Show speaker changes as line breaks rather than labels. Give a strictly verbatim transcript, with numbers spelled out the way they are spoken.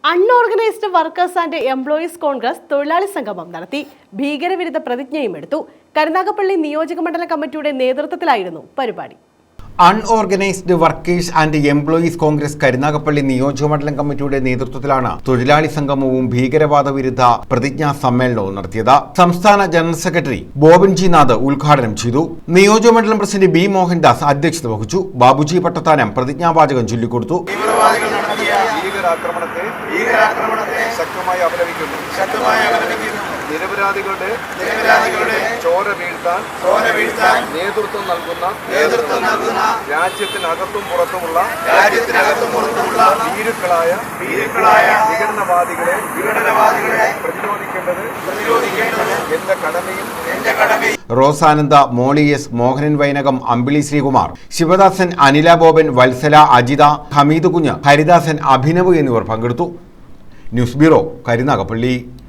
Unorganised workers and employees Congress തൊഴിലാളി സംഗമം നടത്തി. ഭീകരവിരുദ്ധ പ്രതിജ്ഞയും എടുത്തു. കരുനാഗപ്പള്ളി നിയോജകമണ്ഡലം കമ്മിറ്റിയുടെ നേതൃത്വത്തിലായിരുന്നു പരിപാടി.
Unorganised workers and employees Congress Karunagappally നിയോജകമണ്ഡലം കമ്മിറ്റിയുടെ നേതൃത്വത്തിലാണ് തൊഴിലാളി സംഗമവും ഭീകരവാദ വിരുദ്ധ പ്രതിജ്ഞാ സമ്മേളനവും നടത്തിയത്. സംസ്ഥാന general secretary Boban G Nath ഉദ്ഘാടനം ചെയ്തു. നിയോജകമണ്ഡലം പ്രസിഡന്റ് ബി മോഹൻദാസ് അധ്യക്ഷത വഹിച്ചു. ബാബുജി പട്ടത്താനം പ്രതിജ്ഞാവാചകം ചൊല്ലിക്കൊടുത്തു.
ഭീകരാക്രമണത്തെ ഭീകരാക്രമണത്തെ ശക്തമായി അപലപിക്കുന്നു ശക്തമായി അപലപിക്കുന്നു നിരപരാധികളുടെ നിരപരാധികളുടെ ചോര വീഴ്ത്താൻ ചോര വീഴ്ത്താൻ നേതൃത്വം നൽകുന്ന നേതൃത്വം നൽകുന്ന രാജ്യത്തിനകത്തും പുറത്തുമുള്ള രാജ്യത്തിനകത്തും പുറത്തുമുള്ള ഭീരുക്കളായ ഭീരുക്കളായ വിഘടനവാദികളെ വിഘടനവാദികളെ പ്രതിരോധിക്കേണ്ടത് പ്രതിരോധിക്കേണ്ടത് എന്റെ കടമയും എന്റെ കടമയും.
റോസാനന്ദ, മോളി എസ്, മോഹനൻ വൈനകം, അമ്പിളി ശ്രീകുമാർ, ശിവദാസൻ, അനില ബോബൻ, വത്സല, അജിത, ഹമീദ് കുഞ്ഞ്, ഹരിദാസൻ, അഭിനവ് എന്നിവർ പങ്കെടുത്തു. News bureau, Karunagappally.